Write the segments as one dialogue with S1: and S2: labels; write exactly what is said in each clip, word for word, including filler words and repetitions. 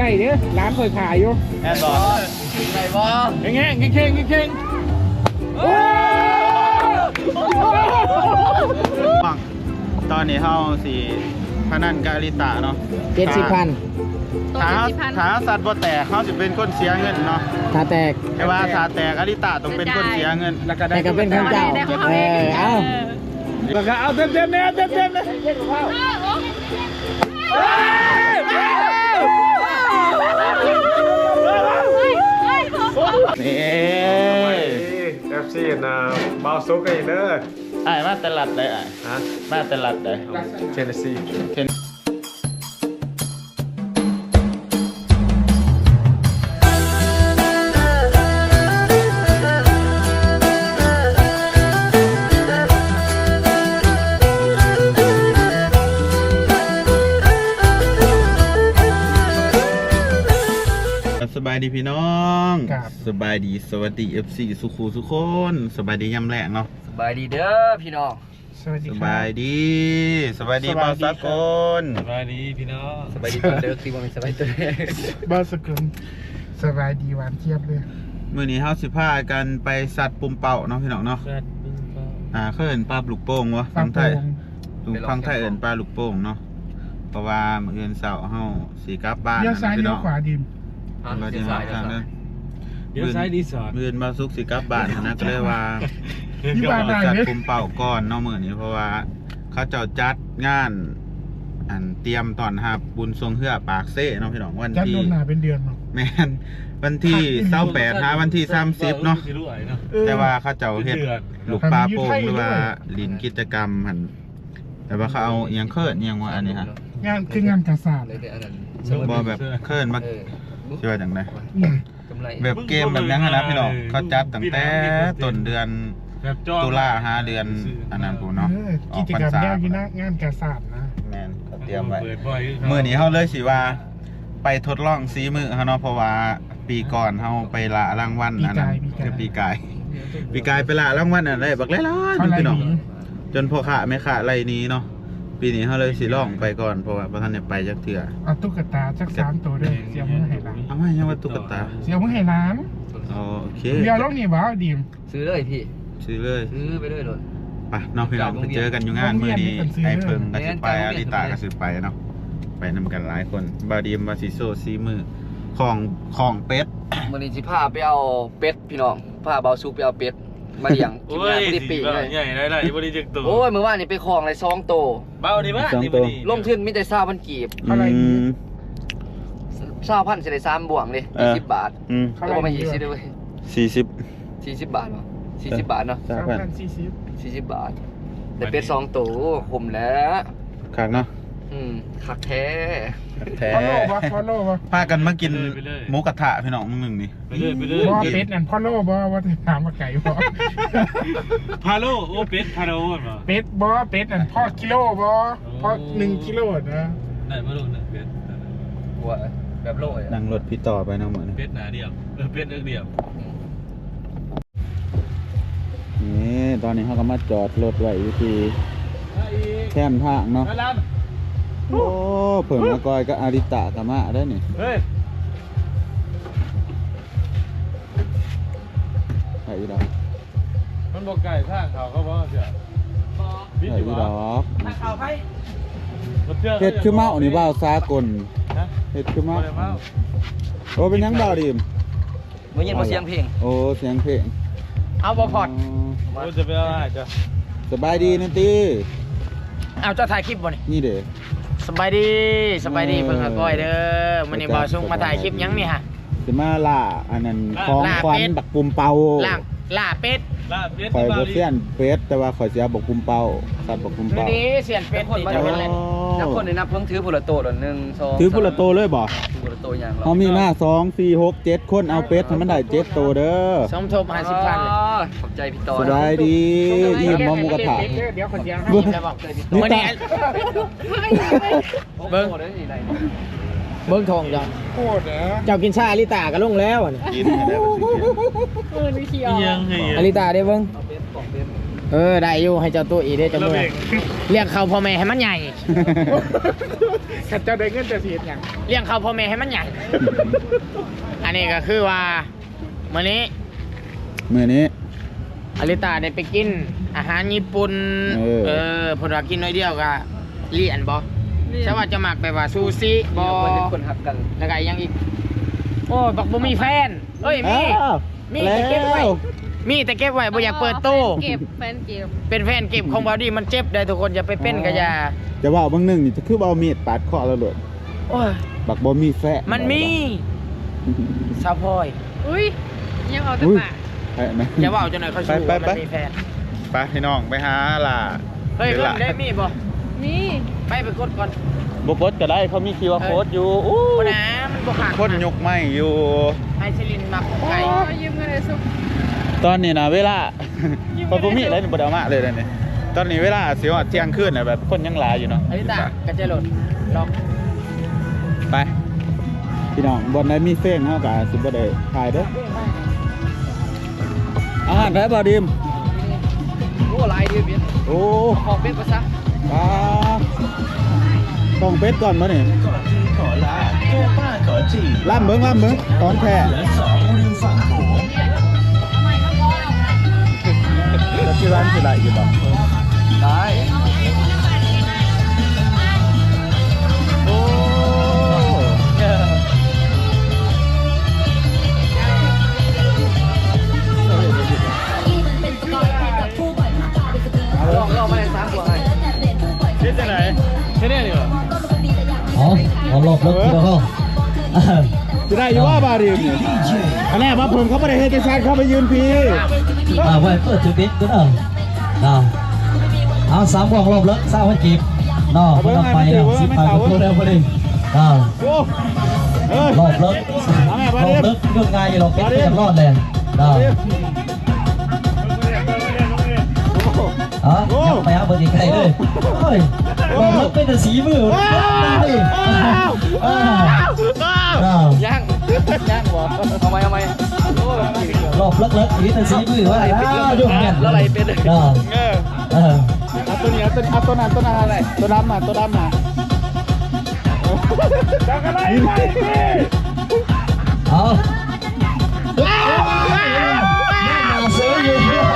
S1: เด้อร้านเคยขายอยู่
S2: แน่นอน
S3: ไหนวะ
S1: เงี้ยเงี้ยเงี้ยเงี้ย
S2: ตอนนี้เฮาสีพนันกาลิตาเนาะ
S1: เจ็ดสิบพัน
S2: ถ้าถ้าสัตว์บ่แตกเขาสิเป็นคนเสียเงินเนาะ
S1: ถ้าแตก
S2: แต่ว่าถ้าแตกกาลิตาต้องเป็นคนเสียเงิน
S1: แต่ก็เป็นของเจ้าเออเอาแล้วก็เอาเต็มเต็มเนี่ยเต็มเต็มเลย
S2: นี่
S4: เอฟซีนะเบาซุกกันเด้อ
S2: ไอ้มาตลาดได้ไอ้
S4: ฮะ
S2: มาตลาดได้
S4: เชนซี
S2: สบายดีพี่น้องสบายดีสวัสดี เอฟ ซี สุขูสุขคนสบายดียำแหลกเนาะ
S3: สบายดีเด้อพี่น้อง
S1: สวัสดี
S2: ส
S1: ครับ
S2: บายดีสบายดีบ่าวสากล
S4: สบายดีพี่น้อง
S3: สบายดีตัวเด้อคือว่ามีสบายตัวเด้อ
S1: บ้านสกุลสบายดีหวานเทียบเลย
S2: มื้อนี้เฮาสิพากันไปสัตว์ปุ่มเป่าเนาะพี่น้องเนาะอ่าเคยเห็นปลาลูกโป่งวะฟังไทยฟังไทยเอิ้นปลาลูกโป่งเนาะเพราะว่ามื้ออื่นเช้าเฮาสิกลับบ้าน
S1: เลี้ยวซ้าย
S2: พี่
S1: เลี้
S2: น้
S1: ย
S2: อ
S1: ว
S2: ง
S1: ขวาดิม
S2: เราดีมากครับเนี่ย
S4: เดี๋ยวซ้ายดีสอด
S2: มื้ออื่นบ่าวสุกสิกลับบ้านนะก็เลยว่า
S1: ที่บ้านไหน
S2: จัด
S1: เนี่ย
S2: ปุ่มเป่าก่อนเนาะมื้อนี้เพราะว่าเขาเจ้าจัดงานอันเตรียมตอนรับบุญทรงเฮือปากเซ่เนาะพี่น้องวัน
S1: จัด
S2: ที่
S1: ลงหนาเป็นเดือนเนาะ
S2: แม่นวันที่เศร้าแปดหาวันที่สามสิบเนาะแต่ว่าเขาเจ้าเฮ็ดลูกปลาโป่งหรือว่าลินกิจกรรมหันแต่ว่าเขาเอาเอียงเคิร์ดเอียงว่าอันนี้ฮะ
S1: งานคืองานกระสาบ
S3: เลยแต่อันนั้น
S2: บอแบบเคิร์ดมา
S3: เออ
S2: ชื่อว่าจังได
S1: เนี่ย
S3: กำไร
S2: แบบเกมแบบนั้นนะพี่น้องเขาจัดตั้งแต่ต้นเดือนตุลาหาเดือนอันนั้นผมเนาะ
S1: เออ
S2: อ
S1: กิ
S2: อก
S1: จ
S2: พร
S1: กร
S2: ร
S1: รม
S2: ษา
S1: แยกที่นะงานกระสาบนะ
S2: แม่นเขาเตรียมไว้มื้อนี้เฮาเลยสิว่าไปทดลองซีมือเฮาเนาะเพราะว่าปีก่อนเฮาไปละรางวัลอันนั้นคือปีกายปีกายไปละรางวัลอันได้บักหลายๆ
S1: อะไร
S2: พี่น้อง
S1: นี้
S2: จนพ่อขาแม่ขาไรนี้เนาะปีนี้เขาเลยสิล่องไปก่อนเพราะว่าพระท่านเนี่ยไปจักเถื่อ
S1: เอาตุ๊กตาจักสามตัวด้วยเสียมือให้ร้าน
S2: เอาไม่ยังว่าตุ๊กตา
S1: เสียมือให้ร้าน
S2: อ๋อโอเค
S1: เดี๋ยวลงนี่บ้าดิม
S3: ซื้อเลยพี่
S2: ซื้อเลย
S3: ซื้อไปเลยเลย
S2: ไปน้องพี่น้องไปเจอกันอยู่งานมื้อนี้ไอ้เพิงกับสิไปอาริตากับสิไปเนาะไปนำกันหลายคนบาดีมบาซิโซซีมือของของเป็ด
S3: วันนี้สิพาไปเอาเป็ดพี่น้องพาเบาซุกไปเอาเป็ดมาเลี้ยงกินงานที่ปีเลย
S4: ใหญ่ได้ได้บริจึกตัว
S3: โอ้ยเมื่อวานนี่ไปคลองเลยสองโต
S4: เบาดีมาก
S3: ลงทุนมีแต่เศร้าพันกีบ
S1: อะไร
S2: อื
S1: นี้
S2: ม
S3: เศร้าพันเสียได้สามบวงเลย
S2: เออ
S3: ยี่สิบบาท
S2: อืม
S3: แล้วก็มายี่สิบด้วย
S2: สี่สิบ
S3: สี่สิบบาทวะสี่สิบบาทเนาะ
S2: สา
S1: สาม ม
S2: พัน
S1: พันสี่สิบ
S3: สี่สิบบาทแต่เป็ดสองโตผมแล้ว
S2: คักเนาะ
S3: อืมคักแท้
S2: แท้
S1: พ่อโลวะพ่อโลวะ
S2: พากันมากินหมูกระทะพี่น้องมึงหนึ่งนี่
S4: ไปเลยไปเลย
S1: บ่เป็ดนั่นพ่อโลบ่ว่าจะถามว่าไก่บ่
S4: พาโลโอเป็ดพาโลมา
S1: เป็ดบ่เป็ดนั่นพ่อกิโลบ่พ่อหนึ่งกิโลนะ
S4: ได้มาโลนึงเป็ด
S3: ว่าแบบโลย
S2: นั่งรถพี่ต่อไปเนาะเหมือน
S4: เป็ดหนาเดียวเออเป็ดเอื้อเดียว
S2: นี่ตอนนี้เขาก็มาจอดรถไว้อยู่ที่แคมทางเนาะโอ้เพิ่งมากอยก็อาริตะกะมาได้นี่
S4: เฮ้ย
S2: ใส่ดอก
S4: มันบอกไก่ทางเขาเขาบอกเสีย
S2: ใส่ดอก
S3: ข่าวไพ่
S2: เฮ็ดคือเมานี่บ่าวสากลเฮ็ดคือเมาโอ้เป็นหยังบ่าวดิม
S3: เมื่อเย็นมาเสียงเพลง
S2: โอ้เสียงเพลง
S3: เอาบอพอด
S4: โอ้จะไปเอาอะไรจ้ะ
S2: สบายดีนะตี
S5: เอาเจ้าถ่ายคลิปบ่นี่
S2: นี่เด้
S5: สบายดีสบายดี
S2: เออ
S5: เพิ่งอาก้อยเด้อมันนี่บ่าวซุงมาถ่ายคลิปหยังนี่ฮะ
S2: สิมาล่าอันนั้นของขวัญบักปุ่มเป่า
S5: ล่างล่าเป็ด
S4: ลาเป็ด
S2: ข่อย
S4: ที่
S2: บ่
S4: บาลี
S2: เสียนเป็ดแต่ว่าข่อยเสียบักปุ่มเป่าสัตว์บักปุ่ม
S5: ดู
S2: เป่า
S5: ดีเสียนเป็ดนี่จะเป็นอะไร
S3: นับคนในนับเพิ่งถือผุละโตหนึ่งสอง
S2: ถือพุละโตเลยบ่
S3: ถือผุละโตอย่าง
S2: เขามีมาสองสี่หกเจ็ดคนเอาเป็ดให้มันได้เจ็ดโตเด้อ
S5: สมทบห้าสิบพันเลย
S3: ขอบใจพี่ต่อ
S2: สบายดีอิ่มบ่หมูกระทะ
S1: เดี๋ยวคนเดียว
S5: ยิ้มแล้วบอก
S2: นี่
S5: วันนี้
S2: ตา
S3: เบิ้ง
S5: เบิ้งทองจัง
S1: โคตรนะ
S5: เจ้ากินชาอลิตาก็ลงแล้วอะนี่
S2: กินให้ได้บ่สิกิน
S5: เออนี่เขียว
S4: ยังไง
S5: อลิตาได้เบิ้ง
S3: เอาเป็ดของเป็ด
S5: เออได้อยู่ให้เจ้าตัวอีได้จังเลยเลี้ยงเขาพ่อแม่ให้มันใหญ่
S1: ขัดเจ้าได้เงินจะเสียอย่าง
S5: เลี้ยงเขาพ่อแม่ให้มันใหญ่ อันนี้ก็คือว่ามื้อนี้
S2: มื้อนี้
S5: อลิตาได้ไปกินอาหารญี่ปุ่น
S2: เออ
S5: เออเพนว่ากินน้อยเดียวก็เลี่ยนบ่ใช่ว่าจะมักไปว่าซูชิบ่
S3: คนเป็นคนหักกัน
S5: แล้วก็อีกอยังอีกโอ้บักบ่มีแฟนเอ้ยมี
S2: อ้าว
S5: มีแต่เก็บไว้
S2: แล้ว
S5: มีแต่เก็บไว้บ่อยากเปิดตู้
S6: เก็บแฟนเก็บ
S5: เป็นแฟนเก็บของบอดี้มันเจ็บได้ทุกคนอย่าไปเป็นก็อย่า
S2: จะว่าบางหนึงนี่จะคือบ่เอามีดปาดคอแล้วโลด
S5: โอ้ย
S2: บักบ่มีแฟะ
S5: มันมีสาวพลอย
S6: อุ้ยยังเอาแต่
S2: อุ้ย
S6: ปาก
S2: ไปนะ
S5: อย่าว่าเอาจนไหนเขาชู
S2: ไป
S5: ว่า
S2: ไป
S5: มันมีแฟน
S2: ไปพี่น้องไปหาล่ะ
S5: เฮ้ย
S2: ดี๋ว
S5: เพิ่
S2: ล่ะ
S5: งได้มีบ่
S6: นี่
S5: ไปไปกดก่อน
S2: บ่กดก็ได้เขามี คิว อาร์ Code อยู่อู้
S5: คนนะมันบ่ขาด
S2: คนยกไม้อยู่
S5: ไอซิลินมักไก่
S6: เอายืมเงินเลยสุก
S2: ตอนนี้นะเวลา พอบ่มีอะไรนี่บ่ได้เอามาเลยเดี๋ยวนี้ตอนนี้เวลาสิว่าเที่ยงคืนน่ะแบบคนยังหลายอยู่เนาะ
S5: อลิตากระเจรถลอง
S2: ไปพี่น้องบนได้มีเฟ้งเฮาก็สิบ่ได้ถ่ายเด้ออาหารได้บ่ดิม
S3: โอ้ลายดีเบียด
S2: โอ้
S3: ขอเป็นภาษา
S2: ปลาต้องเป็ดก่อนบ่นี่ล่ำเบิ่งล่ำเบิ่งตอนแท้แล้วที่ร้านสิได้อยู่บ่
S3: ได้
S2: โอ้
S3: ลองลองมาเลยสามตัวให้
S2: คิดจังได๋
S1: แค่นี้เหรอ
S7: อ๋อเอารอบรถพี่น้อง
S2: สิได้อยู่ว่าบาดิมนี่อันแรกมาเพิ่นเขาบ่ได้เฮ็ดจังซั่นเขาไปยืนพี่
S7: อ่าไว้เปิดจุดเด็ดก็ได้นะเอาสามวงรอบรถสามพันกีบน้องไม่ต้องไปแล้วสิบไปก็พูดแล้วพอดีอ่า
S2: โอ้เอ้ย
S7: รอบรถรอบรถยุ่งง่ายอยู่หรอกเป็นไปอย่างรอดเลยนะอ๋อยังไปหาเบอร์อีกใครเลยโอ้ยรอบรถเป็นแต่สีมือนั่นดิอ่าอ่า
S5: ย่างย่างบ่
S3: เอาไหมเอาไหมโอ้ย
S7: รอบเลิกเลิกนี่แต่สีมือว่าอ้าวยุ่งกัน
S3: แล้วอะไรเป็นเลย
S7: อ่า
S2: เออ
S7: เออ
S2: เอาตัวนี้เอาตัวเอาตัวนั้นตัวนั้นอะไรตัวดำมาตัวดำมา
S1: จังอะไรไปดิ
S7: เอาเสืออยู่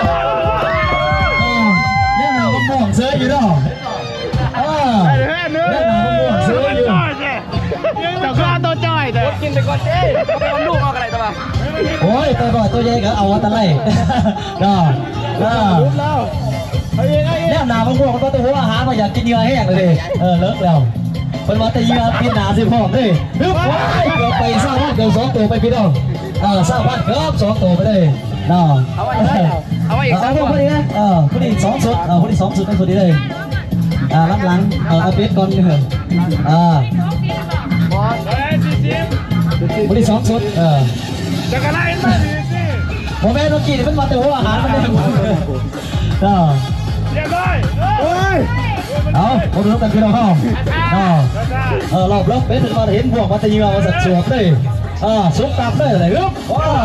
S7: เนี่ยเราก็ม่วงเสืออยู่เนาะอ่าเนี่ยเราก็ม่วงเสืออยู่
S5: เจ้าข้าตัวจ้อยแต่
S3: กินไปก่อนเจ้เอาไปเอาลูกเอาอะไรตัวมา
S7: โอ้ยตัวบ่อยตัวใหญ่ก็เอาตะไลเนาะเออ
S2: แล้วเอาเองเอาเอง
S7: เนี่ยหนาบางพวกมันก็ตัวหัวอาหารมาอยากกินเนื้อแห้งเลยเออเลิกแล้วเป็นว่าแต่เยื่อปีนหนาสิพร้อมเลยฮึบว้ายเกือบไปสร้างบ้านเกือบสองตัวไปพี่น้องเออสร้างบ้านเกือบสองตัวไปเลยน้อง
S3: เอาไว้ได้เอาไว้อีก
S7: เอา
S3: สาม
S7: พ
S3: ตัว
S7: วกนี้นะเออพวกนี้สองสุดเออพวกนี้สองสุดเป็นสุดนี้เลยอ่าล้ำหลังเออเอาเป็ดก่อนเถอะอ่า
S3: บอล
S1: เฮ้ยสิสิ
S7: พวกนี้สองสุดเออ
S1: จังอะไรไปดิสิ
S7: โมแม่นกินมันมาแต่หัวอาหารมันเลยเออ
S1: เรียบร้อย
S2: โอ้ย
S7: เอาผมรู้กันพี่น้องเออเออรอบรอบเป็ดถึงมาเห็นพวกมาแต่เยื่อมาสักสวบเลยเออสุกตับเลยอะไรครับว้า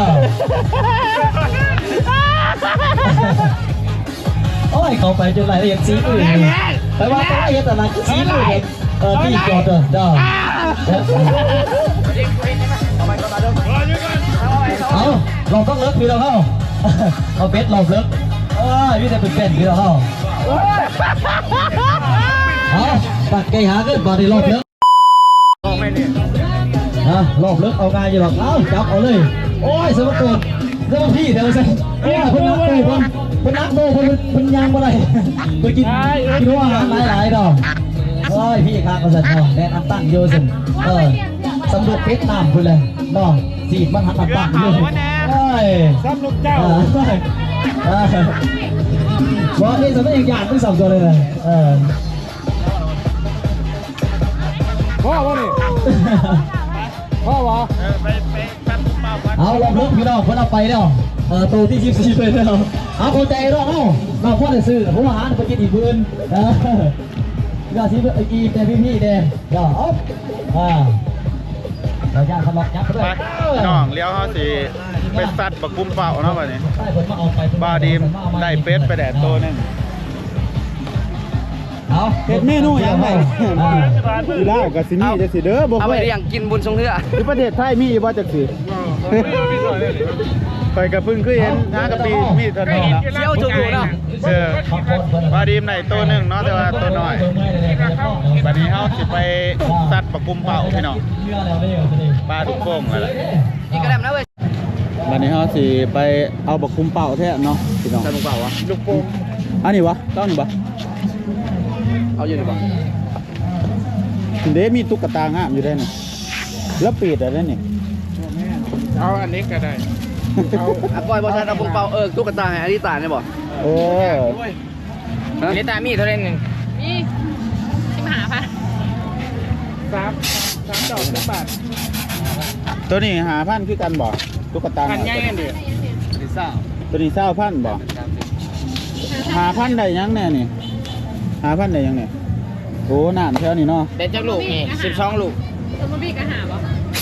S7: โอ้ยเขาไปจนรายละเอียดสีมือไปว่าแต่ละเอียดแต่ละสีมือเออที่จอดเด้อเด้อ
S3: เอาไปก่อนมาเด้อ
S1: รออยู่ก่อน
S3: เอาไว้เอา
S7: เอาเราต้องเลิกพี่เราเข้าเอาเป็ดเราเลิกเออพี่แต่เป็นเป็นพี่เราเข้าเอาตักไก่หาขึ้นบอดี้รอบเลิก
S3: เอาไม่เนี่ย
S7: นะรอบเลิกเอาง่ายอยู่หรอกเอาจับเอาเลยโอ้ยสมบูรณ์สมบูรณ์พี่เดี๋ยวสิโอ้ยคนนักโตคนคนนักโตคนคนยางอะไรไปกินกินอาหารหลายๆดอกโอ้ยพี่ข้างก็สั่นเนาะแดนอันตั้งโยสิเออสำรวจเป็ดน้ำคุณเลยน้องสีมันหันอันตั้งเลยโอ้ย
S1: ซ้ำลูกเจ้า
S7: เออเออบอกนี่สมัยอย่างหยาดไม่สับตัวเลยนะเออ
S1: พ่อวะนี่พ่อวะ
S7: เอาลองลุกพี่น้องคนเอาไปแล้วเออตัวที่ยี่สิบสี่เลยแล้วเอาเข้าใจแล้วเอ้าเราพ่อได้ซื้อผมอาหารไปกินอีกพื้นเออยาสีอีแต่พี่พี่แดงย่าเอาอ่าเราย่างขนมยักษ์ด้ว
S2: ไป
S7: ย
S2: พี่น้องเลี้ยวเขาสิไปสัตว์ปะกุ้มเป่าเนาะวันนี้
S7: ใต้ผมมาเอาไป
S2: บาดีมได้เป็ดไปแดดตัวหนึง
S7: เอา
S2: เป็ดเมนูยังไงอีล่ากับซินี่จะสิเด้อบอก
S3: เอาไป
S2: ว่า
S3: เลี้ยงกินบุญทรงเรือ
S2: ที่ประเทศไทยมีบ่จักสิไปกับพึ่งคือเห็นน้ากะปีมีเท่านั้นเนาะ
S3: เที่ยวจุกอยู่เนาะ
S2: เออบาดีมไหนตัวหนึงเนาะแต่ว่าตัวน้อยบัดนี้เฮาสิไปสัตว์ปะกุ้มเป่าพี่น้องปลาทุกโป่งแล้วล่ะ
S3: อีกกระดมนะเว้ย
S2: บัดนี้เฮาสิไปเอาปะกุ้มเป่าแท้เนาะพี่น้อง
S3: ใส่ลงเปล่าวะ
S2: ลูกโป่งอันนี้วะต้องนี่บ่
S3: เอาอยู่ดีกว่า
S2: เด้มีตุ๊กตางามอยู่ได้นี่แล้วปีดอะไรนี่
S1: เอาอันนี้ก็ได้
S3: อ่ะก้อยบอชันเอาปุงเปาเออตุ๊กตาให้อธิษฐานเนี่ยบอก
S2: เออ
S5: อลิตามีเท่าไหร่หนึ่ง
S6: มีสิมาหาพัน
S1: สามสามดอกสิบบาท
S2: ตัวนี้หาพันคือกันบ่ตุ๊กตา
S5: พันใหญ่กันดิ
S3: ลิซ่า
S2: ตัวนี้เศร้าพันบ่หาพันได้ยังแน่นี่หาพันได้ยังเนี่ยโอ้นานแค่นี้เนาะ
S5: เด็ดจักลูกนี่สิบสองลูก
S6: สมมติพี่ก็หาบ่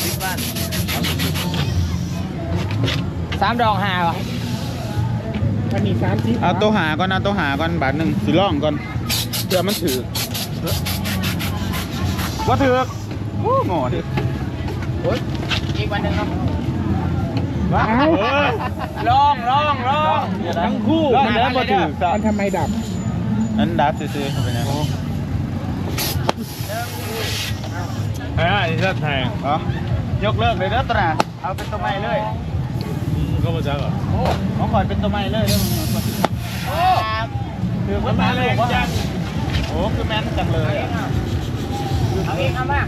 S5: สามดอกห้าวะ
S1: มันมีสามสิบ
S2: เอาตัวหาก่อนเอาตัวหาก่อนบาทหนึ่งสิล่องก่อนเพื่อมันถือว่าถือโอ้โง่ดิ
S5: อีกวันหนึ่งเนาะ
S1: ว้าว
S5: ลองลองลอง
S1: ทั้งคู่
S2: ล่องแล้วมาถือซะ
S1: มันทำไมดับ
S2: นั้นดับซื้อๆเข้าไปนะ
S1: เอ้ยนี่แทง
S2: อ๋อยกเลิกเลยเด้อตราเอาเป็นตัวใหม่เลย
S1: ก็มาจากเหรอ
S2: โอ้ของข่อยเป็นตัวใหม่เลยเด้อมึงโอ้ถือว่าแม่นเลยจังโอ้คือแม่นจังเลยอะ
S5: เอาอีกเอามา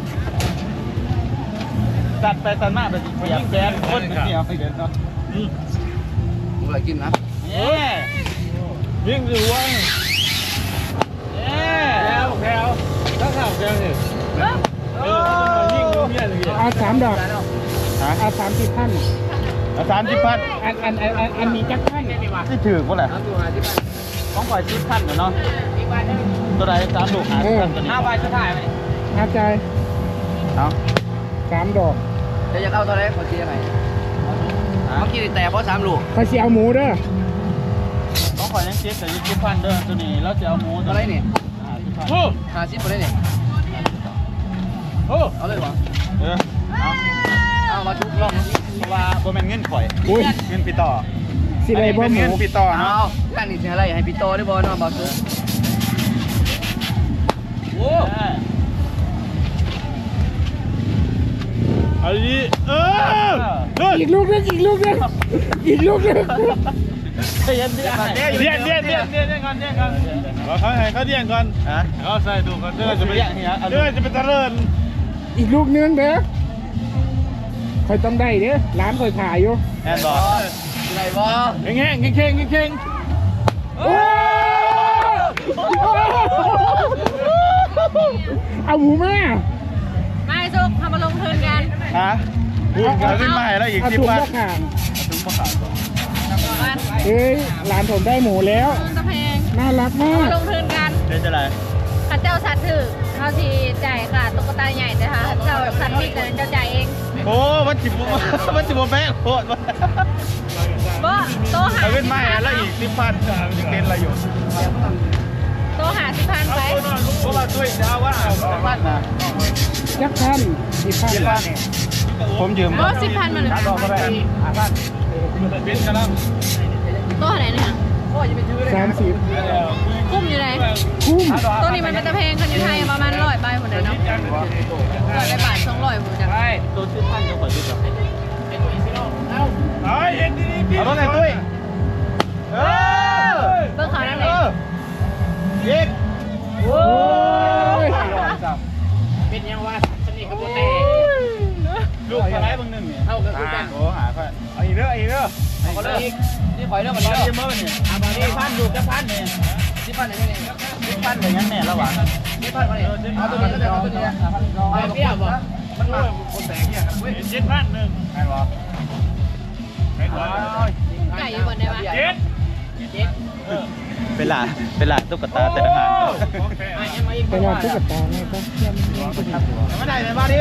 S2: ตัดไปตัดมาแบบเสียบแกนคนเสียบไปเดี๋ยวเนาะ
S3: มึงอะไรกินนะ
S2: เอ๊ะ
S1: ยิ่งดูว่า
S2: เอ๊ะ
S1: แถวแถวถ้าข่าวแถวเนี่ยเออยิ่งดูเนี่ยเลยเอาสามดอก
S2: ฮะ
S1: เอาสามสิบพัน
S2: เอาสามสิบพัน
S1: อันอันอันอันอันนี้จักพัน
S2: ที่ถือก็แหละ
S3: เอาตัวหาที่บ้าน
S2: ของข่อยสิบพันเนาะ
S5: อีกวันหนึ่ง
S2: ตัวใดสามลูกหาสิบพันตัวนี้
S5: ห้าใบสุดท้ายไหม
S1: อาใจ
S2: เอา
S1: สามดอก
S3: จะอยากเอาตัวไหนขอคิดยังไงเมื่อกี้แต่เพราะสามลูก
S1: เขาเสียเอาหมูเด้อ
S2: ของข่อยยังเจ็ดแต่ยี่สิบพันเด้อตัวนี้แล้วจะเอาหมู
S3: ตั
S2: ตัว ว
S3: อะไรนี่
S2: ห้าสิบพัน
S1: โอ้
S3: หาซิปตัวไหนนี่
S1: โอ้
S3: เอาเลยวะ
S2: เออเอา
S3: เอามาชุบลอง
S2: เพราะว่าโบแมนเงินข่อย
S1: อุ้ย
S2: เงินปีต่อ
S1: สิได้บ่
S2: อัน
S1: ห
S2: นี้
S1: มู
S2: เป็นเงินปีต่อ
S3: เอา
S2: เนาะ
S3: การนี่จะอะไรให้พี่โตได้บอลน้องบอลซุป
S2: โอ้
S1: อันนี้เอออีกลูกนึงอีกลูกนึงอีกลูกนึง
S2: เย็นเย็นเย็นเย็นเย็นเย็นเย็นก่อนเย็นก่อนเขาให้เขาเย็นก่อนฮะเขาใส่ดูก่อนเดี๋ยวจะไปเดี๋ยวจะไปเจริญ
S1: อีกลูกนึงเด้อคอยต้องได้เด้อร้านคอยขายอยู่
S2: แอนบอก
S3: อะไรบอล
S1: แง่งแง่งแง่งแง่งเอาหมูมา
S6: ไม่สุกทำมาลงทุนกัน
S2: ฮะเอาขึ้นมาให้แล้วอีก
S1: เอา
S2: สิบ
S1: ถุง
S2: บาท
S1: มะขาม
S2: ถึงมะขามก่อน
S6: บ้าน
S1: เอ้ยร้านผมได้หมูแล้ว
S6: ตะแพง
S1: น่ารักมา
S6: ทำมาก ลงทุนกัน
S2: เดี๋ยวจะไร
S6: ข้าเจ้าสัตว์ถือเขาทีจ่ายค่ะตุ๊กตาใหญ่แต่ค่ะเจ้าแบบสัตว์พิกแต่เจ้าจ่ายเอง
S2: โอ้มันจิบมันจิบแม่โคตร
S6: บ่โตหา
S2: เอาขึ้นมาให้แล้วอีกสิบพันยังเป็นอะไรอยู่
S6: โตหาสิพันไป
S2: เพราะว่าด้วยจะเอาว่าเอาพันนะ
S1: ยักษ์พันอีกพัน
S2: สิบพันผมยืม
S6: บ่สิพันมาหนึ่ง
S2: ดอกก็ได้พันเป็นกันแล้ว
S6: โตไหนเนี่ย
S1: สามสิบ
S6: กุ้มอยู่ไหน
S1: คุ้ม
S6: ตัวนี้มันเป็นตะเพงคันอยู่ไทยประมาณร้อยใบหมดเลยเนาะร้อยใบบาทสองร้อยหมดจ้ะ
S2: ตัวสิบพันก็ขอยืมเอาเอาเอ็นดีดีเอาไงตุ้ยเออ
S6: เบิ่งเขานั่นเอ
S2: เอง อเย็ก
S1: โอ้ย
S5: เป็นยังวะสนิทกับโบเต้
S2: ลูกอะไรบางหนึ่งเนี่ย
S5: เท่ากับคุณกัน
S2: โอ้หาค่อยเอาอีกเด้ออีกเด้อ
S3: เอาก็เลยนี่ข่อยเรื่องมัน
S2: ร้อย
S3: เย
S2: เย
S3: อะ
S2: อะมากเนี่ยสี่พันดูจะพันเนี่ย
S3: สิพันอย่างนี้
S2: สิพันอย่างนั้นแน่ระหว่าง
S3: สิพันมาเนี่ยเอาตัวนี้เอาตัวนี้เอาเปรี้ยวบ่มันมา
S2: คนแตกเนี่ยกันเว้ยเจ็ดพันหนึ่งไงวะไงวะ
S6: ไก่อยู่บนได้ปะ
S2: เจ็ดเป็นหลาเป็นหลาตุ๊กตาแต่ละหาง
S1: ไปรอตุ๊กตาไงก็
S2: ไม่ได้ไหมบ้าดิม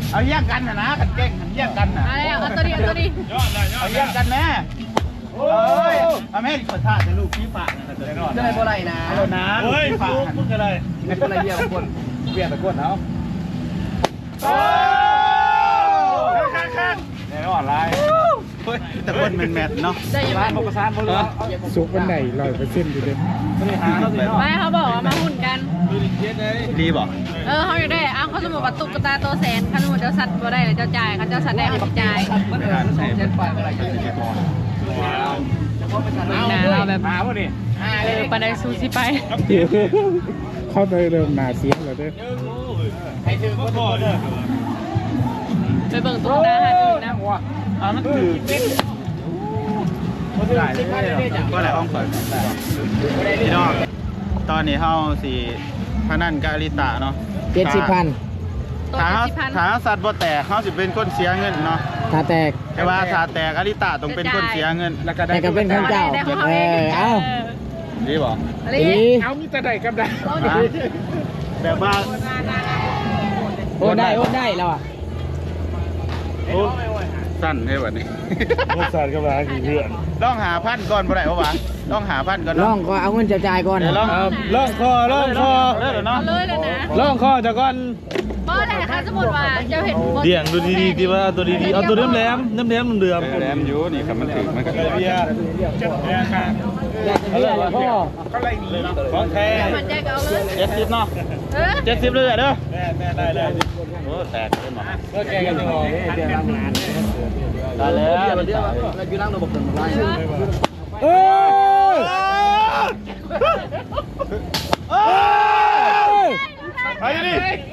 S2: เอาแย่งกันนะนะกันเก่งกันแย่งกันนะ
S6: มาแล้วเอาตัวนี้เอาตัวนี้
S2: เอาแย่งกันแม่เอ้ยเอาแม่เปิดท่าจะลูกพี่ฝากนะเดี๋ยว
S3: จะได้บ่ได้นะ
S2: เอานะเฮ้ยฝากมึงอะไร
S3: ให้คนละเบียร์คน
S2: เบียร์ตะกวนเอาโอ้ข้างข้างแน่นอนไรเฮ้ยตะกวนเป็นแมทเนาะ
S6: ได้ยังไง
S2: พวกประสานพวกเรา
S1: สุกวันไหนร้อยเปอร์เซ็นต์อยู่เด้
S2: ไม่ได้หาเราสิเนาะ
S6: ไม่เขาบอกว่ามาหุ่นกัน
S2: ดีบอก
S6: เออเขาอยู่ได้อ้าวเขาสมมติว่าตุ๊กตาตัวแสนเขาสมมติเจ้าสัตว์บ่ได้เลยเจ้าจ่ายเขาเจ้าสัตว์ได้เขาจ่าย
S3: มันเออสองเจ็ดไปเมื่อไหร่จะได้พอเอา
S6: เราแบบ
S1: มาพวกนี้
S6: เออปันไดซูซิไป
S1: เข้าไปเริ่มหนาเสียงแล้วเด้อ
S2: ให้ถือก็พอเด้อ
S6: ไปเบิ่งตุ๊กตาหาดูนะ
S2: อ่ามันถือก็ได้ก็ได้ห้องเปิดพี่น้องตอนนี้เฮาสิพนันกาลิตะเนาะ
S5: เจ็ดสิบพัน
S6: ตัว
S2: ถ้า
S6: สิบพัน
S2: ถ้าสัตว์บ่แตกเฮาสิเป็นคนเสียเงินเนาะ
S5: ถ้าแตก
S2: แต่ว่าถ้าแตกอลิตะต้องเป็นคนเสียเงิน
S1: แล้วก็ได้
S5: แต่ก็เป็นของเจ้า
S6: ได้ของเขา
S5: เอ
S6: เอง
S5: อเอา
S2: ดีบ่
S6: อะไร
S5: ดี
S1: เอามีแต่ใดกับใด
S2: ฮะแบบว่า
S5: โอ้ได้โอ้ได้แล้วอ่ะ
S2: โอ้สั้นให้บัดนี้
S1: รสชาติกับร้านกี่เพื่อน
S2: ต้องหาพันก่อนบ่ได้บ่วะต้องหาพันก่อน
S5: ล่อ
S2: เนาะ
S5: งก็เอาเงินจะจ่ายก่อน
S2: เดี๋ยวลอง
S1: ล่องคอล่องคอ
S2: เด้อเนาะ
S6: เอาเลยเลยนะ
S1: ล่องคอจะก่อน
S6: เพราะอะไรคะสมมติว่าเจ้าเห็น
S1: เดี่ยงดูดีๆดีว่าตัวดีๆเอาตัวเดิมแหลมเดิมแหลมเดิม
S2: แหลมอยู่นี่ครับมันถึงมันก็
S1: เบียร์เบียร์ค่ะ
S5: อยากจะเรียกแล้วพ่อ
S1: ของแท้
S6: มันใจก็เอาเลย
S2: เจ็ดสิบเนาะ
S6: เออ
S2: เจ็ดสิบเลยเด้อ
S1: แม่แม่ได้ได้
S2: โอ้แตกเลยหมอ
S1: ก็แกกันจะบอกเดี๋ยวรับงาน
S2: ได้แล้ว
S3: เดี๋ยวเดี๋ยวเราอยู่นั่งระบบหนึ่งไล่
S5: เอ้ย
S2: ไปดิ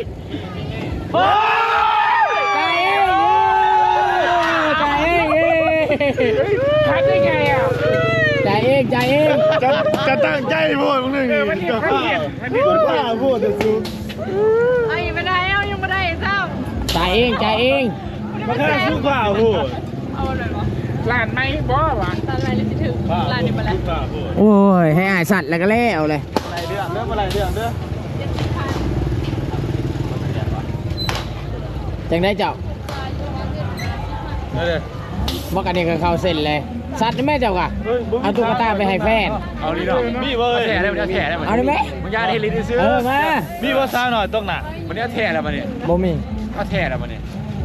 S5: จ่ายเองจ่ายเอง
S1: ทำได้ไงอ่ะ
S5: จ่ายเองจ่ายเอง
S1: จะจะตั้งใจพูดมึงหนึ่งมันจะข้ามันจะข้าพูดจะซู
S6: เอายังไม่ได้เอายังไม่ได้เจ้า
S5: จ่ายเองจ่ายเอง
S1: มันแค่สู้ข้าพูด
S6: เอาเลยเหรอ
S1: หลานไม่บ่วะ
S6: ตอนไรเลยสิถึงลานนี้มาแล้ว
S5: โอ้ยให้อายสัตว์แล้วก็แล้วเลย
S2: อะไรเรื่องเรื่องอะไรเรื่องเด้อ
S5: จังได้เจ้า
S2: เด้อ
S5: บอกกันนี่ก็เข้าเส้นเลยสัตว์นี่แม่เจ้ากะเอาตุ๊กตาไปให้แฟน
S2: เอาดีเนาะมีเว้ย
S3: แถได้มันแถได้มัน
S5: เอาได้ไหม
S3: มึงยาให้ลิ้นซื้อ
S5: เออมา
S2: มีว่าซาหน่อยต้องหนัก
S3: วันนี้แถแล้วมันเนี่ย
S5: บ่มี
S3: ก็แถแล้วมันเนี่ย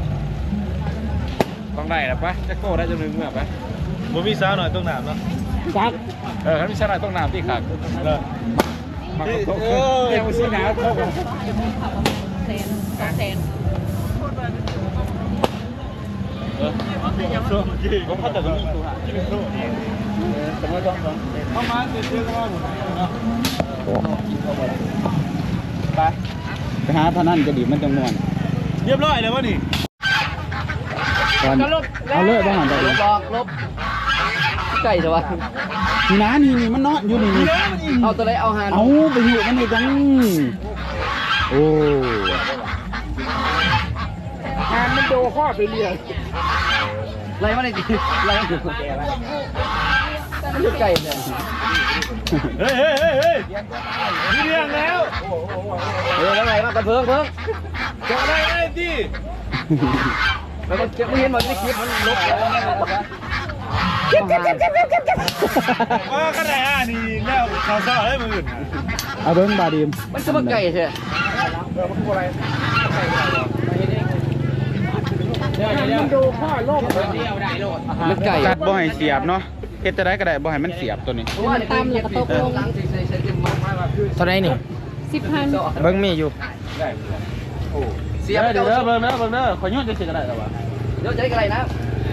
S3: ต้องได้แล้วปะจะโก้ได้จนนึงเมื่อปะ
S2: บ่มีซาหน่อยต้องหนักเนาะ
S5: จัก
S3: เออถ้าไม่ใช่อะไรต้องน้ำที่ขาด
S2: เลย
S3: มา
S2: เอ
S3: ตก
S2: อ
S3: เรียกว่าซื้อน้ำเข้ากัน
S6: แสนสองแสน
S2: ผมเข้าแต่ก็มีตัวหาเข้ามาซื้อๆก็ว่าหมดเนาะไปไปหาพนันก็ดีมันจังม่วนเรียบร้อยแล้ววะนี่เอาเลยบ้างหันไป
S3: ลบบอกลบไก่ใช่ปะ
S2: นี่นะนี่นี่มันนอนอยู่นี่นี่
S3: เอาตัวไรเอาหาน
S2: เอาไปอยู่มันนี่จังโอ้
S1: งานมันโดข้อไปเรียน
S3: ไรมาได้ดีไรมาถูกแกแล้วมันคือไก่เนี่ย
S2: เฮ้ยเฮ้ยเฮ้ยเฮ้ยมีเรื่องแล้ว
S3: เออแล้วไรมากันเพิ่งเพิ่ง
S2: จะอะไรไอ้ที่
S3: แล้วมันจะไม่เห็นมันในคลิปมันลบแล้ว
S5: เก็บเก็บเก็บเก็บเก็บเก็บเก็บ
S2: ว่าขนาดอ่ะนี่แล้วเขาซ่าให้มืออื่น
S5: เอาเบิ้งบาดีม
S3: มันจะมาไก่ใช่
S1: มันโดข้อโลก
S3: มันไก่
S2: กัดบ่ให้เสียบเนาะเฮ็ดจะได้ก็ได้บ่ให้มันเสียบตัวนี้
S6: มันตำแล้วก็ตกลง
S5: เท่าไหรนี่
S6: สิบพัน
S5: เบิ้งมีอยู่
S3: เสียบ
S2: เดี๋
S3: เดี๋
S2: ย
S3: ยว ว
S2: เบิ่งเด้อเบิ่งเด้อขอย้อนจะสิก็ได้แล้วว่ะ
S3: เดี๋ยวจะได้อะไรนะ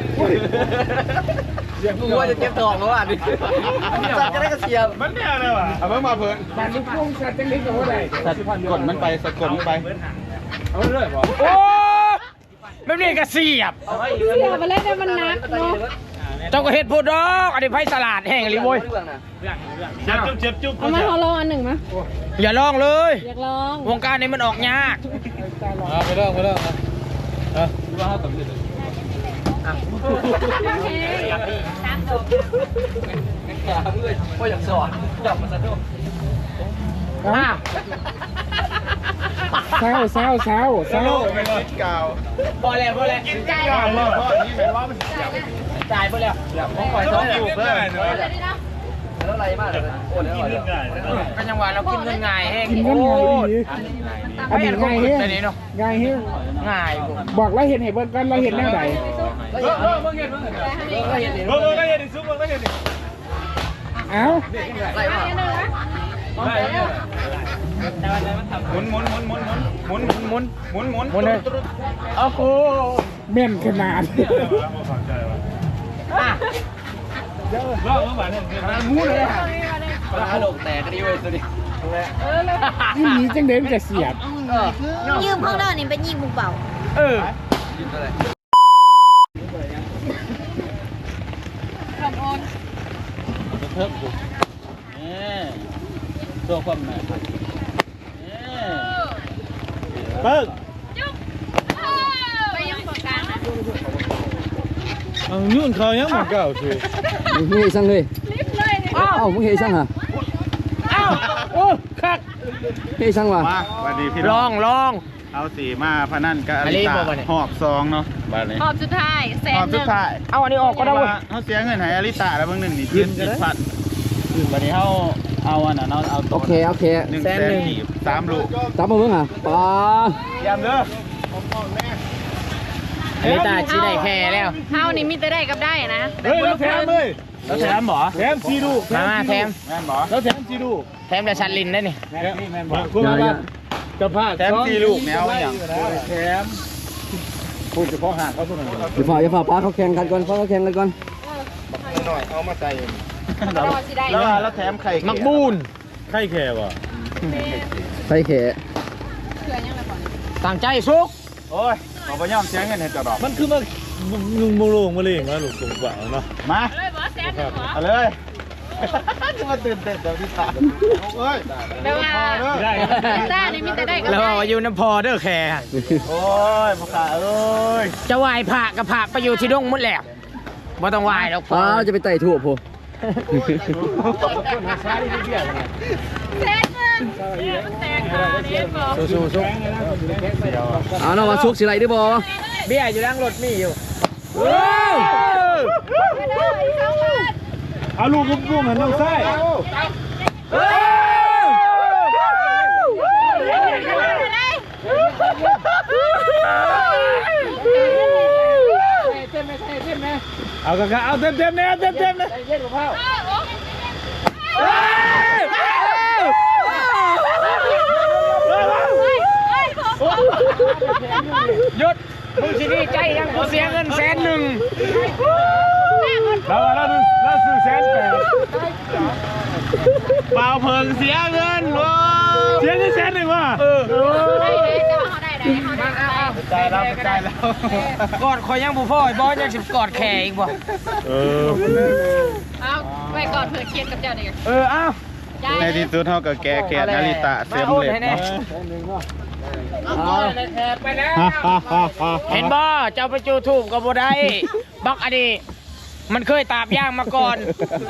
S3: มึงว่าจะเก็บทองแล้วอ่ะดิสัตว์จะได้กระเสียบ
S2: มันแน่เลยว่ะเอาเบิ่งมาเพิ่น
S1: บ้านลูกพุ่งสัตว์จังเล็กกับว่าใด
S2: สัตว์กดมันไปสะกดมันไป
S1: เอาเลยบ่
S5: โอ้ไม่มีกระเสียบ
S6: เสียไปเลยแต่มันนักเนาะ
S5: เจ้าก็เฮ็ดพูดดอกอันนี้ไผ่สลัดแห้งเลยโว้ย
S2: เจ็บจุ๊บเจ็บจุ๊บ
S6: เอามาขอลองอันหนึ่งมะ
S5: อย่าลองเลย
S6: อยากลอง
S5: วงการนี้มันออกยาก
S2: ไปเริ่มไปเริ่มเออว่าเฮาต้อง
S3: ก็อยากสอนจับมาซะด้วย
S5: อ้าว
S1: เศร้าเศร้าเศร้าเศร้า
S2: เก่า
S5: พอแล้วพอแล้วกินจ่ายแล้วจ่ายไปแล้วผมปล่อยท้องอยู่เพื่อนแล้วอะไรมากเลยโอ้แล้วเป็นจังหวะเรากินเงินง่ายแห้ง
S1: กินกันไงดีอันนี้ไงเฮ้ย
S5: อันนี้เนาะ
S1: ไงเฮ้ย
S5: ง่าย
S1: บอกเราเห็นเห็นเบิ้งกันเราเห็นแนวไหน
S5: เออเออเมื่อกี้เมื่อกี้เมื่อกี้เมื่อกี้
S1: เบิ้งก็เห็นซุปเบิ้งก็เห็นเอ้า
S5: ไล่มาไล่
S2: หมุนหมุนหมุนหมุนหมุนหมุนหมุนหมุนหมุน
S5: หมุนเลยโอ้โห
S1: เม่นขนาด
S5: อ่ะ
S1: รอบเมื่อวานเนี่ย
S5: มูเลยอ่ะปลาหลงแตกกันดิเว้ยสุดดิ
S1: นี่หนีจังเด่นจะเสียบ
S5: เออ
S6: ยืมพวกเรานี่เป็นยิงบุกเป่า
S5: เออ
S6: ทำโอน
S1: เพิ่มกูนี่ตัวความหมายนี่เปิ้ง
S6: จุ๊บไปยังปากกลางนะ
S1: เอายุ่นเขายังเหมือนเก่าสิ
S7: มึงเฮซังเลย
S6: ลิฟต์เลยนี่
S7: เอ้ามึงเฮซังฮะ
S1: อ้าวโอ้คัก
S7: เฮซังว่ะ
S2: มาสวัสดีพี่
S5: ล
S2: น้
S5: อ
S2: อง
S5: งลอง
S2: เอาสีมาพนันกับอลิตาหอบซองเนาะบ้านนี้
S6: รอบสุดท้ายแส
S2: ห
S6: น
S2: อบ
S6: ห
S2: สุ
S6: นึ่
S2: ด
S6: ง
S2: ท้าย
S5: เอาอันนี้ออกก็ได้เว้ย
S2: เขาเสียเงินให้อลิตาแล้วเบางหนึ่งนี่ขึ้นสิบพันวันนี้เขาเอาอันนั้นเอาเอา
S7: โอเคโอเค
S2: หนึ่งแสนกีบสามลูก
S7: จับมาเบิ่งอ่ะปา
S2: ยามเด้อ
S5: อันนี้ตาชี้ได้แค่แล้ว
S6: เท่านี้มีแต่ได้กับได้นะ
S1: เฮ้ยแล้วแถมเลย
S5: แล้วแถมหมอ
S1: แถมซีดู
S5: มามาแถม
S2: แม่นบอ
S1: แล้วแถมซีดู
S5: แถมแต่ชันลินได้นี่
S1: แม่นี่แม่นบอกคุณมาจะพา
S2: แถมสี่ลูกแนวอย่าง
S1: แถมพูดเฉพาะหางเขาตัวนั้น
S7: อย่าฝ่าอย่าฝ่าป้าเขาแข่งกันก่อนเขาแข่งกันก่อน
S6: รอสิได้
S2: แล้วแล้วแถมไข่
S5: มักบูน
S1: ไข่แค่วะ
S7: ใส่แข
S6: เขื่อนยังไงก่อน
S5: ต่างใจสุก
S2: โอ้ยขอไปย่อมเสียเงินให้จะดอก
S1: มันคือมาลุงมงลงมาเลยมาลูกตรงกว่าเนาะ
S2: มา
S6: เลยบอสแสนหนึ่งเหรอ
S2: เอาเลยมาตื่นเต้นเดี๋ยวที่ตาเอ้ย
S6: แปลว่า
S1: ได้
S6: ได้นี่มีแต่ได้กับ
S5: แล้ว
S6: ได้
S5: ว่าอยู่น้ำพอเด้อแค่
S2: โอ้ยพ่อขาเอ้ย
S5: จะไหวายผ่ากับผ่าไปอยู่ที่ดงหมดแล้วบ่ต้องไหวายหรอกพอ
S7: ป้าจะไปไต่ถั่วพอ
S6: แสนหนึ่งมันแตกขาเนี้ยบอก
S5: สู้ๆสุก
S7: เอาเนาะว่าชุกสิไรได้บ่
S5: เบี้ยอยู่ล่างรถมีอยู่
S1: เอาลูกลูกลูกเหมือนน้องไส้ เอากระเอาเต็มเต็มเนี่ยเต็มเต็มเนี่ย
S5: หยุดมึงสิดีใจยังกูเสียเงินแสนหนึ่ง
S1: เราเราดูเราซื้อแสนแปด
S2: เปล่าเพิ่งเสียเงินว้า
S1: เสียแสนหนึ่งว่ะเออ
S6: ได้เลยแต่ว่าเขาได้ได้เขาได้
S2: ใจแล้วใจแล้ว
S5: กอดคอยยังบุพ่อยบอสยังสิกอดแขอีกบ่
S1: เออ
S6: เอาไปก่อนเผื่อเครียดกับเจ้าเด็ก
S5: เออเอ้า
S2: ในที่สุดเท่ากับแกแกนาริตะเสียมเหล็กเนาะ
S5: ไปแล้วเห็นบ่เจ้าไปจูทูบกับบ่ได้บักอดีมันเคยตาบย่างมาก่อน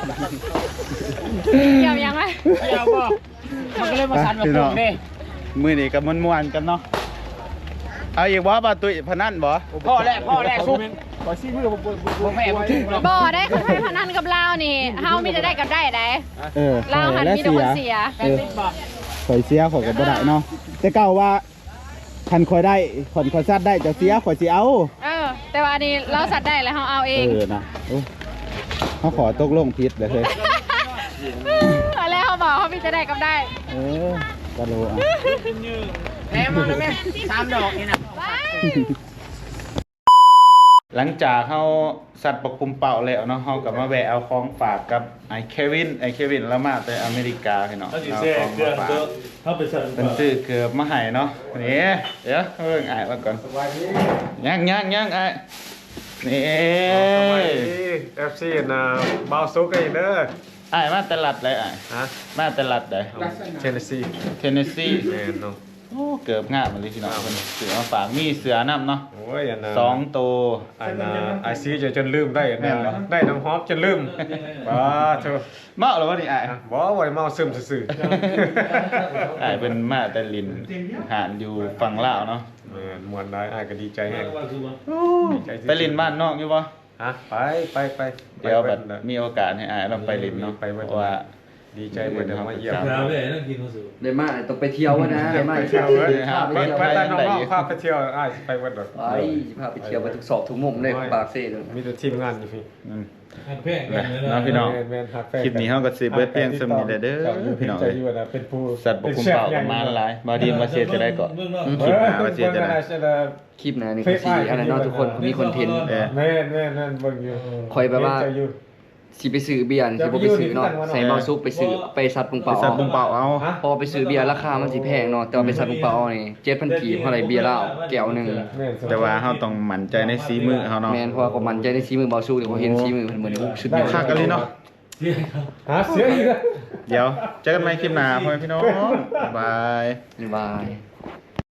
S6: เกี่ยวยังไง
S5: เกี่ยวบ่มันก็เลยมาสั่นมาปลุกเด้
S2: มือนี่กับมวนๆกันเนาะเอาอีกบ่ป่ะตุ้ยพนันบ่
S5: พ่อแรกพ่อแรกซุก
S1: ขอชี้มือผม
S5: บ่แม่บ่ถูกหรอก
S6: บ่ได้เขาให้พนันกับเรานี่เฮามีแต่ได้กับได้ได้
S7: เออ
S6: เราหันมีแต่คนเสีย
S7: เออข่อยเสียข่อยก็บ่ได้เนาะแต่เก่าว่าคันข่อยได้ข่อยข่อยซัดได้จะเสียข่อยสิเอา
S6: เออ แต่ว่านี่เราสัตว์ได้แล้วเฮาเอาเอ
S7: เอง อนะโอ้เขาขอตกลงผิดเลยเฮ้ย
S6: แล้วเขาบอกเขามีแต่ได้กับได้
S7: เออกะโลอ่ะ
S5: แม่มาเลยแม่สามดอกนี่น่ะ
S2: หลังจากเขาสัตว์ประคุมเป่าแล้วเนาะเขากับมาแวะเอาของฝากกับไอ้เควินไอ้เควินแล้วมาแต่อเมริกาพี่เนาะ
S1: เขาสิ
S2: เอา
S1: แซ่
S2: ของ
S1: เกลือ
S2: มาฝาก
S1: เขาไปสั่ง
S2: เป็นซื้อเกือบมาให้เนาะนี่เดี๋ยวเพิ่งอ่านมาก่อนย่างย่างย่างไอ้นี่
S4: สวัสดีเอฟซีนะบาวซุกไอ้เด้อ
S2: ไอ้มาตลาดเลยไอ้
S4: ฮะ
S2: มาตลาดเลย
S4: เทนเนสซี
S2: เทนเนสซี
S4: แมนเนาะ
S2: โอ้เกือบงามเลยพี่น้องเพิ่นเสือมาฝากมีเสือน้ำเนาะ
S4: โอ้ยอันน่ะ
S2: สองตัว
S4: อันน่ะไอซีจะจนลืมได้อัน
S2: แม่
S4: น่ะ
S2: นบ่
S4: ได้น้ำหอมจนลืมบ้าเถอะ
S2: เมาแล้ววะนี่อ้าย
S4: บ่ไว้เมาซึมซื่อ
S2: อ้ายเป็นมาแต่ลินหานอยู่ฝั่งลาวเนาะ
S4: ๆแม่นม่วนได้อ้ายก็ดีใจแฮงดีใจ
S2: ไปลินบ้านนอกอยู่บ่
S4: ฮะไปไปไป
S2: เดี๋ยวแบบ
S4: ไป
S2: มีโอกาสให้อ้ายเราไปลินเนาะ
S4: ไปเบิด
S2: เพราะว่า
S4: ดีใจเบิดเดี๋ยวมาเยี่ยม
S1: เราเลยนั่งกินข้าวสุก
S3: ได้มาต้องไปเที่ยวนะได้มา
S4: ไปเที่ยวเว้ย
S3: พาไป
S4: ไป
S3: เที่ยว
S4: ไป
S3: ไป
S4: แต่น้องๆพาไปเที่ยวอ้ายสิไปเบิดดอก
S3: ไปพาไปเที่ยวไปทุกซอกทุกมุมเลยของปากเซ่เลย
S4: มีแต่ทีมงานอยู่พี่
S2: อืม
S1: แพงกันเลย
S2: เนาะพี่น้อง
S4: แม่นๆฮักแฟน
S2: คลิปนี้เฮาก็สิเบิดเพียงส่ำนี้แหละเด้อพี่น้อง
S4: ใจ
S2: เอ้ย
S4: อยู่นะเป็นผู้
S2: สัตว์บกคุมเป่ากันมาหลายบาดีมาเสียจะได้ก่อน
S4: คลิปหน้าว่าสิจะได้
S3: คลิปหนะนี่ก็สิอะไรเนาะทุกคนมีคอนเทนต์
S2: เออ
S4: แม่นแม่นนั่นเบิ่งอยู่
S3: คอยแบบว่า
S4: ใจอยู่
S3: สิไปซื้อเบียร์นี่สิบ่ไปซื้อเนาะใส่เมาซุปไปซื้อไปซัดปุง
S2: ไป
S3: เปา
S2: สัตว์บุงเป่าเอา
S3: พอไปซื้อเบียร์ราคามันสิแพงเนาะแต่ว่าไปซัดปุงเปานี่เจ็ดพันกีบเท่าไหร่เบียร์เหล้าแก้วหนึง
S4: แม่น
S2: แต่ว่าเฮาต้องมั่นใจในสีมือเฮาเนาะ
S3: แม่นเพราะว่าก็มันใจในสีมือเบาสู้เดี๋ยวเขาเห็นสีมือเพิ่นเหมือนสุดยอด
S2: คักกันเลยเนาะ
S4: หาเสียอีกแล้ว
S2: เดี๋ยวเจอกันใหม่คลิปหน้าพ่อแม่พี่น้องบ๊ายบาย
S3: บ๊ายบาย